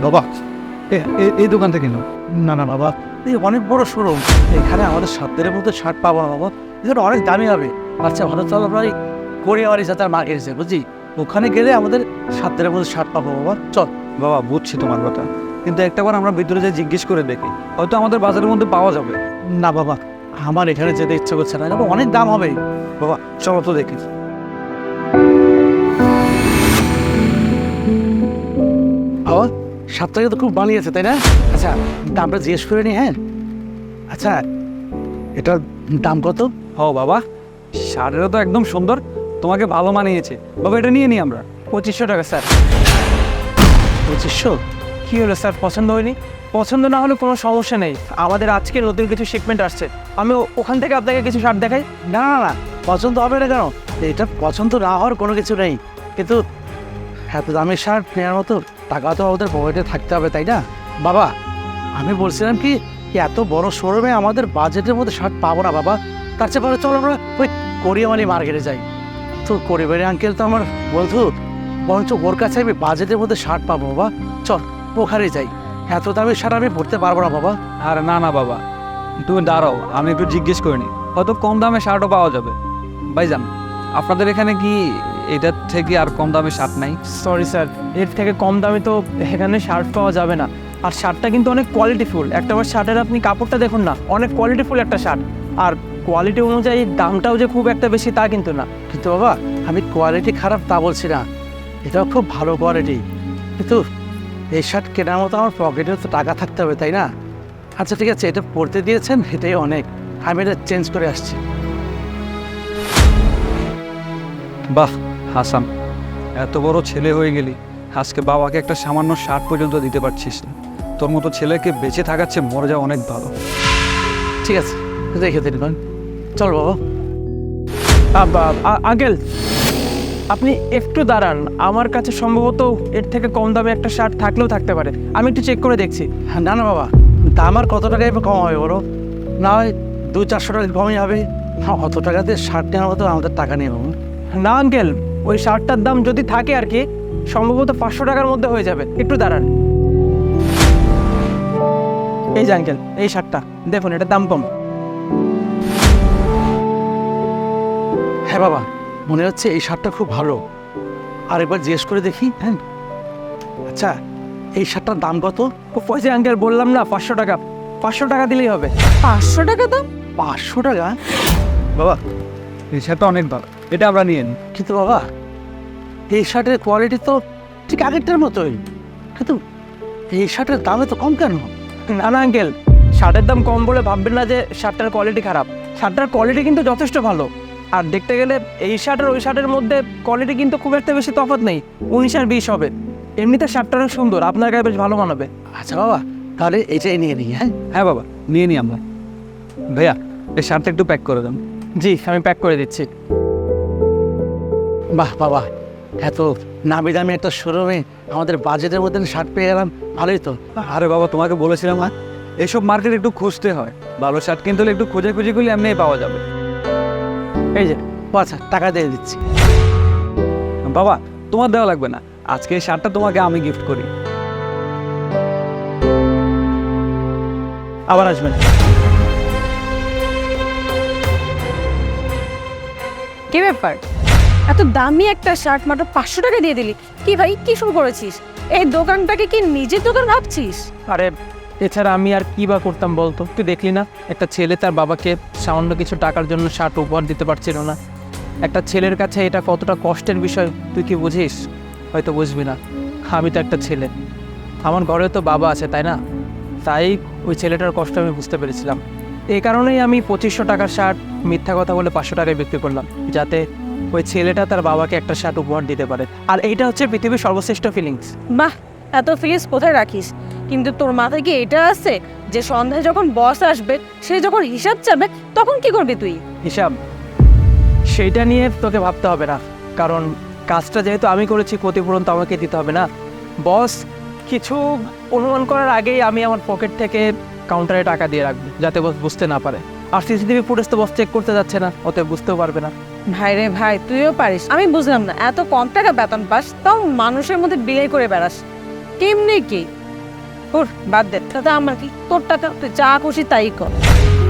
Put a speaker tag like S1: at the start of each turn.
S1: বাবা এই দোকান থেকে নাও। না না বাবা, এই অনেক বড় শোরুম, এখানে আমাদের সাধ্যের মধ্যে শার্ট পাবো না বাবা, এখানে অনেক দামি হবে। আচ্ছা ভালো, চলো আমরা কোরিয়াওয়ারি যাতে মা এসেছে বুঝছি, ওখানে গেলে আমাদের সাধ্যের মধ্যে শার্ট পাবো বাবা, চল। বাবা বুঝছি তোমার কথা, কিন্তু একটাবার আমরা ভিতরে যে জিজ্ঞেস করে দেখি, হয়তো আমাদের বাজারের মধ্যে পাওয়া যাবে। না বাবা, আমার এখানে যেতে ইচ্ছে করছে না, অনেক দাম হবে বাবা, চলো তো দেখি। বাবা শার্টটাকে তো খুব বানিয়েছে তাই না? আচ্ছা দামটা জিজ্ঞেস করে নি। হ্যাঁ আচ্ছা, এটার দাম কত?
S2: ও বাবা, শার্টটা তো একদম সুন্দর, তোমাকে ভালো মানিয়েছে বাবা, এটা নিয়ে নিই আমরা।
S3: 2500 টাকা স্যার।
S1: 2500?
S3: কী হলো স্যার, পছন্দ হয়নি? পছন্দ না হলে কোনো সমস্যা নেই, আমাদের আজকে নতুন কিছু শিপমেন্ট আসছে, আমি ওখান থেকে আপনাকে কিছু শার্ট দেখাই।
S1: না না না, পছন্দ হবে না কেন? এটা পছন্দ না হওয়ার কোনো কিছু নেই, কিন্তু এত দামের শার্ট নেওয়ার মতো টাকা তো আমাদের পকেটে থাকতে হবে তাই না? বাবা আমি বলছিলাম কি এত বড় শোরুমে আমাদের বাজেটের মধ্যে শার্ট পাবো না বাবা, তার চেয়ে পরে চলো আমরা ওই কোরিয়ামানি মার্কেটে যাই। তো কোরিয়ামানি আঙ্কেল তো আমার বন্ধু, বরঞ্চ ওর কাছে আমি বাজেটের মধ্যে শার্ট পাবো বাবা, চল ওখানে যাই। এত দামের শার্ট আমি পরতে পারবো না বাবা।
S2: আর না না বাবা, তুমি দাঁড়াও, আমি একটু জিজ্ঞেস করে নিই, হয়তো কম দামে শার্টও পাওয়া যাবে। ভাইজান, আপনাদের এখানে কি এটার থেকে আর কম দামে শার্ট নাই?
S3: সরি স্যার, এর থেকে কম দামে তো এখানে শার্ট পাওয়া যাবে না, আর শার্টটা কিন্তু অনেক কোয়ালিটিফুল। একটা বার শার্টের আপনি কাপড়টা দেখুন না, অনেক কোয়ালিটিফুল একটা শার্ট, আর কোয়ালিটি অনুযায়ী দামটাও যে খুব একটা বেশি তা কিন্তু না।
S1: কিন্তু বাবা আমি কোয়ালিটি খারাপ তা বলছি না, এটাও খুব ভালো কোয়ালিটি, কিন্তু এই শার্ট কেনার মতো আমার পকেটে তো টাকা থাকতে হবে তাই না? আচ্ছা ঠিক আছে, এটা পরতে দিয়েছেন এটাই অনেক, আমি এটা চেঞ্জ করে আসছি।
S2: বাহ হাসান, এত বড় ছেলে হয়ে গেলি, আজকে বাবাকে একটা সামান্য শার্ট পর্যন্ত দিতে পারছিস না। তোর মতো ছেলেকে বেঁচে থাকাচ্ছে মরে যাওয়া অনেক ভালো।
S1: ঠিক আছে রেখে দিন, চল বাবা।
S3: আঙ্কেল আপনি একটু দাঁড়ান, আমার কাছে সম্ভবত এর থেকে কম দামে একটা শার্ট থাকলেও থাকতে পারে, আমি একটু চেক করে দেখছি।
S1: না না বাবা, দাম আর কত টাকায় কম হবে বলো, না হয় 200-400 টাকা কমই হবে, অত টাকা দিয়ে শার্ট নেওয়ার মতো আমাদের টাকা নেই বাবু।
S3: না আঙ্কেল, ওই শার্টটার দাম যদি থাকে আর কি, সম্ভবত 500 টাকার মধ্যে হয়ে যাবে, একটু দাঁড়ান। এই যে আঙ্কেল, এই শার্টটা দেখুন, এটার দাম কম।
S1: হ্যাঁ বাবা, মনে হচ্ছে এই শার্টটা খুব ভালো, আর একবার জিজ্ঞেস করে দেখি। হ্যাঁ আচ্ছা, এই শার্টটার দাম কত?
S3: ও পয়সা আঙ্কেল, বললাম না 500 টাকা, 500 টাকা দিলেই হবে।
S4: 500 টাকা দাম?
S1: 500 টাকা?
S2: বাবা এই শার্টটা অনেক ভালো, এটা আমরা নিয়ে নিই।
S1: কিন্তু বাবা এই শার্টের কোয়ালিটি তো ঠিক আগেরটার মতোই, কিন্তু এই শার্টের দামে তো কম কেন?
S3: না না আঙ্কেল, শার্টের দাম কম বলে ভাববেন না যে শার্টটার কোয়ালিটি খারাপ, শার্টটার কোয়ালিটি কিন্তু যথেষ্ট ভালো। আর দেখতে গেলে এই শার্ট আর ওই শার্টের মধ্যে কোয়ালিটি কিন্তু খুব একটা বেশি তফাৎ নেই, 19 আর 20 হবে। এমনিতে শার্টটা অনেক সুন্দর, আপনার গায়ে বেশ ভালো মানাবে।
S1: আচ্ছা বাবা, তাহলে এটাই নিয়ে নিই। হ্যাঁ
S2: হ্যাঁ বাবা, নিয়ে নিই আমরা। ভাইয়া এই শার্টটা একটু প্যাক করে দেন।
S3: জি আমি প্যাক করে দিচ্ছি।
S1: বাহ বাবা, এত নামি দামি একটা শোরুমে আমাদের বাজেটের মধ্যে শার্ট পেয়ে গেলাম, ভালোই তো।
S2: আরে বাবা, তোমাকে বলেছিলাম না, এইসব মার্কেট একটু খুঁজতে হয়, ভালো শার্ট কিনতে হলে একটু খোঁজাখুঁজি করলে এমনিই পাওয়া যাবে।
S3: এই যে
S1: আচ্ছা টাকা দিয়ে দিচ্ছি।
S2: বাবা তোমার দেওয়া লাগবে না, আজকে এই শার্টটা তোমাকে আমি গিফট করি।
S3: আবার আসবেন।
S4: কি ব্যাপার, এত দামি একটা শার্ট মাত্র 500 টাকা দিয়ে দিলি? কি ভাই, কি শুরু করেছিস? এই দোকানটাকে কি নিজের দোকান ভাবছিস?
S3: আরে এছাড়া আমি আর কি বা করতাম বলতো, তুই দেখলি না একটা ছেলে তার বাবাকে সামান্য কিছু টাকার জন্য শার্ট উপহার দিতে পারছিল না। একটা ছেলের কাছে এটা কতটা কষ্টের বিষয় তুই কি বুঝিস? হয়তো বুঝবি না, আমি তো একটা ছেলে, আমার ঘরে তো বাবা আছে তাই না, তাই ওই ছেলেটার কষ্ট আমি বুঝতে পেরেছিলাম। এই কারণেই আমি 2500 টাকার শার্ট মিথ্যা কথা বলে 500 টাকায় বিক্রি করলাম, যাতে ওই ছেলেটা তার বাবাকে একটা শার্ট উপহার দিতে পারে। আর এইটা হচ্ছে পৃথিবীর সর্বশ্রেষ্ঠ ফিলিংস।
S4: বাহ, এত ফিলিংস কোথায় রাখিস? কিন্তু তোর মাথায় কি এটা আছে যে সন্ধ্যায় যখন বস আসবে, সে যখন হিসাব চাবে, তখন কি করবি তুই?
S3: হিসাব সেইটা নিয়ে তোকে ভাবতে হবে না, কারণ কাজটা যেহেতু আমি করেছি, ক্ষতিপূরণ তো আমাকে দিতে হবে না। বস কিছু অনুমান করার আগেই আমি আমার পকেট থেকে কাউন্টারে টাকা দিয়ে রাখবো, যাতে বস বুঝতে না পারে। আর সিসিটিভি ফুটেজ তো বস চেক করতে যাচ্ছে না, অতএব বুঝতেও পারবে না।
S4: ভাই রে ভাই, তুইও পারিস, আমি বুঝলাম না, এত কম টাকা বেতন পাস, তাও মানুষের মধ্যে বিলাই করে বেড়াস, কেমনে কি? ওর বাদ দে, দাদা আমার কি, তোর টাকা তুই যা খুশি তাই কর।